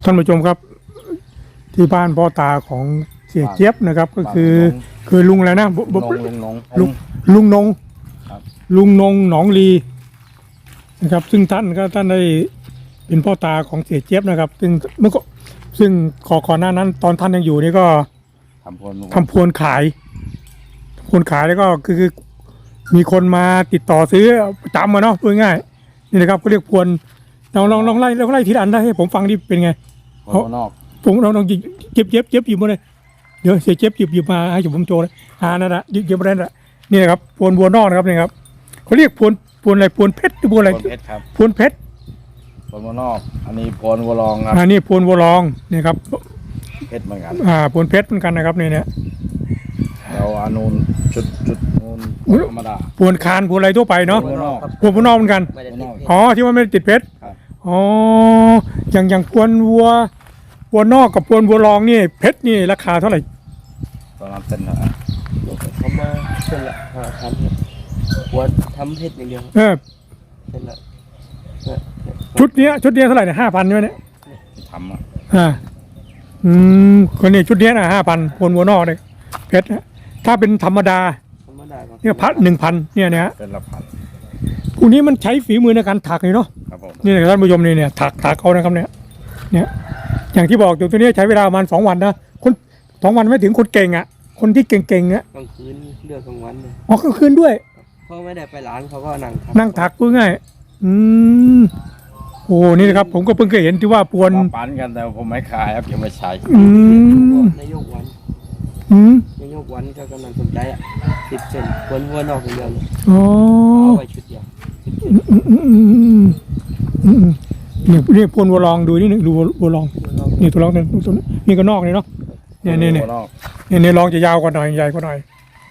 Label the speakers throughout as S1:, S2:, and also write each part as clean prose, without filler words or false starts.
S1: ท่านผู้ชมครับที่บ้านพ่อตาของเสียเจี๊ยบนะครับก็คือลุงอะไรนะลุงนงลุงนงหนองลีนะครับซึ่งท่านได้เป็นพ่อตาของเสียเจี๊ยบนะครับซึ่งก่อนหน้านั้นตอนท่านยังอยู่นี่ก็ทำพวนขายแล้วก็คือมีคนมาติดต่อซื้อประจำมาเนาะพูดง่ายนี่นะครับก็เรียกพวนลองไล่ทีละอันได้ให้ผมฟังดิเป็นไงผมลองเจ็บหยิบมาเลยเดี๋ยวเสียเจ็บหยิบมาให้ผมโชว์เลยนั่นแหละหยิบมาได้ละนี่นะครับพวนวัวนอกนะครับนี่ครับเขาเรียกพวนอะไรพวนเพชรหรือพวนอะไรพวนเพชร
S2: พวนวัวนอกอันนี้พวนวัวรองครับ
S1: อันนี้พวนวัวรองนี่ครับ
S2: เพชรเหมือนกัน
S1: พวนเพชรเหมือนกันนะครับเนี่ย
S2: เราอานูนชุดนูนธรรมดา
S1: พวนคานพวนอะไรทั่วไปเนาะพวนวัวนอกเหมือนกันที่ว่าไม่ติดเพชรอย่างพวนวัวนอกกับพวนวัวรองนี่เพชรนี่ราคาเท่าไหร่
S2: ตอนนั้นเส้นเหรอ
S3: เขามาเส้นละ5,000หัวทำเพชรอย่างเดียวเส้นละ
S1: ชุดนี้เท่าไหร่เนี่ย5,000ใช่ไหมเนี่ย
S2: ทำ
S1: คนนี้ชุดนี้นะ5,000พวนวัวนอกเลยเพชรถ้าเป็นธรรมดาเนี่ยพัด1,000เนี่ย
S2: เป็นละพัน
S1: พวกนี้มันใช้ฝีมือในการถักเลยเนาะนี่ท่านผู้ชมเนี่ยถักเขานะครับเนี่ยอย่างที่บอกตัวนี้ใช้เวลาประมาณ2 วันนะคน2 วันไม่ถึงคนเก่งอ่ะคนที่เก่งๆเนี่ย
S3: กลางคืนเลือกกลางวันเลย
S1: กลางคืนด้วย
S3: เขาไม่ได้ไปร้านเขาก็
S1: นั่งถักพูดง่ายโอ้นี่นะครับผมก็เพิ่งเคยเห็นที่ว่าพวน
S2: ปั้นกันแต่ผมไม่ขายครับยังไม่ใช้
S3: นายกวันก็กำลังสนใจ10 เซนวัวนอกอย่างเดียวเอาไว้ชุดเดียว
S1: เนี่ยพวนวัวรองดูนี่ดูวัวรองนี่ตัวรองนี่ก็นอกเลยเนาะเนี่ยรองจะยาวกว่าหน่อยใหญ่กว่าหน่อย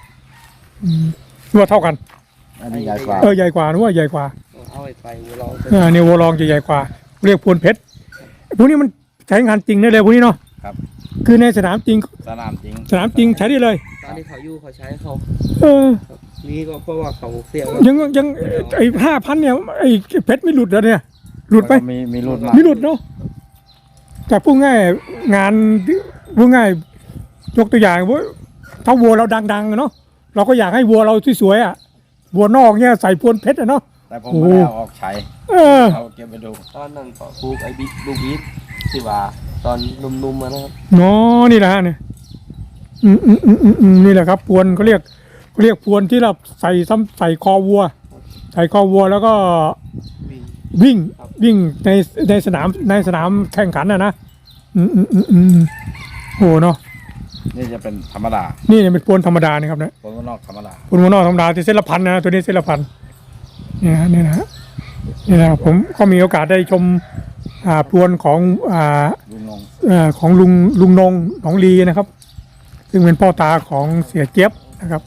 S1: ว่าเท่ากัน
S2: อันนี้ใหญ่กว่า
S1: ใหญ่กว่านึกว่าใหญ่กว่า
S3: เอาไปวัวรอง
S1: เนี่ยวัวรองจะใหญ่กว่าเรียกพวนเพชรพวกนี้มันใช้งานจริงได้เลยพวกนี้เนาะ
S2: ครับ
S1: คือในสนามจริง
S2: สนามจ
S1: ริงใช้ได้เลย
S3: ตอนที่เขาอยู่เขาใช้เขานี่ก็เพราะว่าเขาเสีย
S1: ยังไอ้5,000เนี่ยไอ้เพชรไม่หลุดแล้วเนี่ยหลุดไป
S2: มีหลุด
S1: เนาะแต่พูดง่ายงานพูดง่ายยกตัวอย่างว่าถ้าวัวเราดังๆเนาะเราก็อยากให้วัวเราสวยๆอ่ะวัวนอกเนี่ยใส่พวนเพชรเนาะ
S2: แต่ผมไม่เอาออกใช้เอาเก็บไปดู
S3: ตอนนั้นก็ปลูกไอ้ลูกบีทสิว่าตอนนุ่มๆมานะครับ
S1: นี่แหละเนี่ยนี่แหละครับพวนเขาเรียกพวนที่เราใส่คอวัวแล้วก็วิ่งในสนามแข่งขันนะโอ้เนาะ
S2: นี่จะเป็นธรรมดา
S1: นี่เป็นพวนธรรมดานะครับนะ
S2: พวนนอกธรรมดา
S1: ที่เส้นละพันนะตัวนี้เส้นละพันนี่นะผมก็มีโอกาสได้ชมพวนของลุงนงหนองลีนะครับซึ่งเป็นพ่อตาของเสียเจี๊ยบนะครับ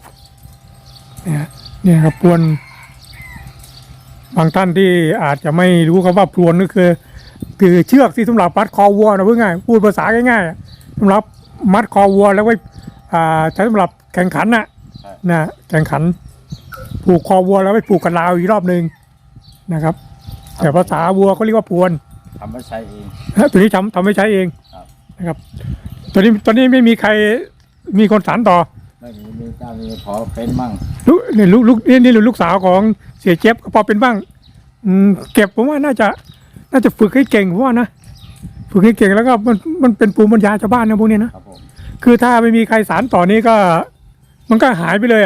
S1: เนี่ยครับพวนบางท่านที่อาจจะไม่รู้คำว่าพวนก็คือเชือกที่สำหรับมัดคอวัวนะเพื่อง่ายพูดภาษาง่ายๆสำหรับมัดคอวัวแล้วไว้ใช้สำหรับแข่งขันนะแข่งขันผูกคอวัวแล้วไปผูกกับราวอีกรอบนึงนะครับแต่ภาษาวัวเขาเรียกว่าพวน
S2: ทำไม่ใช้เอง
S1: ตัวนี้ทำไม่ใช้เองนะครับตอนนี้ไม่มีใครมีคนสานต่อ
S2: ไม่มีเจ้ามีพอเป็นมั่ง
S1: นี่ลูกสาวของเสียเจี๊ยบก็พอเป็นบ้างเก็บผมว่าน่าจะฝึกให้เก่งเพราะว่านะฝึกให้เก่งแล้วก็มันเป็นภูมิปัญญาชาวบ้านนะพวกนี้นะคือถ้าไม่มีใครสานต่อนี้ก็มันก็หายไปเลย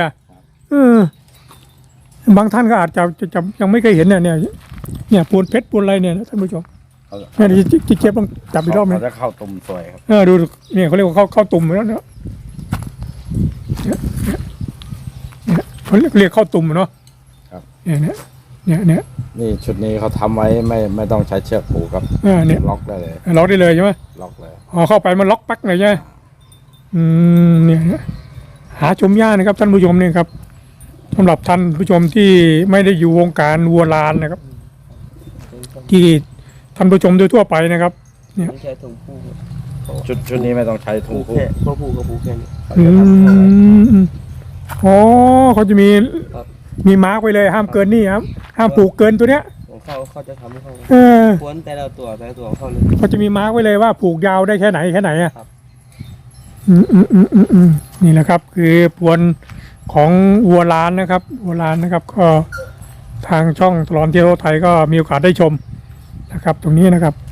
S1: บางท่านก็อาจจะยังไม่เคยเห็นเนี่ยพวนเพชรพวนอะไรเนี่ยท่านผู้ชมเนี่ยที่เจี๊ยบต้องจับอีกรอบไหม
S2: จะเข้าตุ่มสวยครับ
S1: ดูเนี่ยเขาเรียกว่าเข้าตุ่มแล้วเนี่ยเขาเรียกเข้าตุ่มเนาะเนี่ย
S2: นี่ชุดนี้เขาทำไว้ไม่ต้องใช้เชือกผูกครับ
S1: เนี่ย
S2: ล็อกได้เลย
S1: ใช่ไหม
S2: ล็อกเลย
S1: เข้าไปมันล็อกปักเลยใช่ไหมเนี่ยหาชมยากนะครับท่านผู้ชมเนี่ยครับสำหรับท่านผู้ชมที่ไม่ได้อยู่วงการวัวลานนะครับที่ท่านผู้ชมโดยทั่วไปนะครับเนี่ย
S3: ใช้ถุงผูก
S2: ชุดนี้ไม่ต้องใช้ถุงผูก
S3: ก็ผูกกับผูกแค่นี้
S1: เขาจะมีมาร์กไปเลยห้ามเกินนี่ครับห้ามผูกเกินตัวเนี้ย
S3: เขาจะทำของเขา
S1: เออ
S3: ควนแต่ละตัวของเขาเลย
S1: เขาจะมีมาร์กไว้เลยว่าผูกยาวได้แค่ไหนอ่ะ
S3: ครับ
S1: นี่แหละครับ คือพวนของวัวล้านนะครับวัวล้านนะครับ ก็ทางช่องตลอดเที่ยวไทยก็มีโอกาสได้ชมนะครับ ตรงนี้นะครับ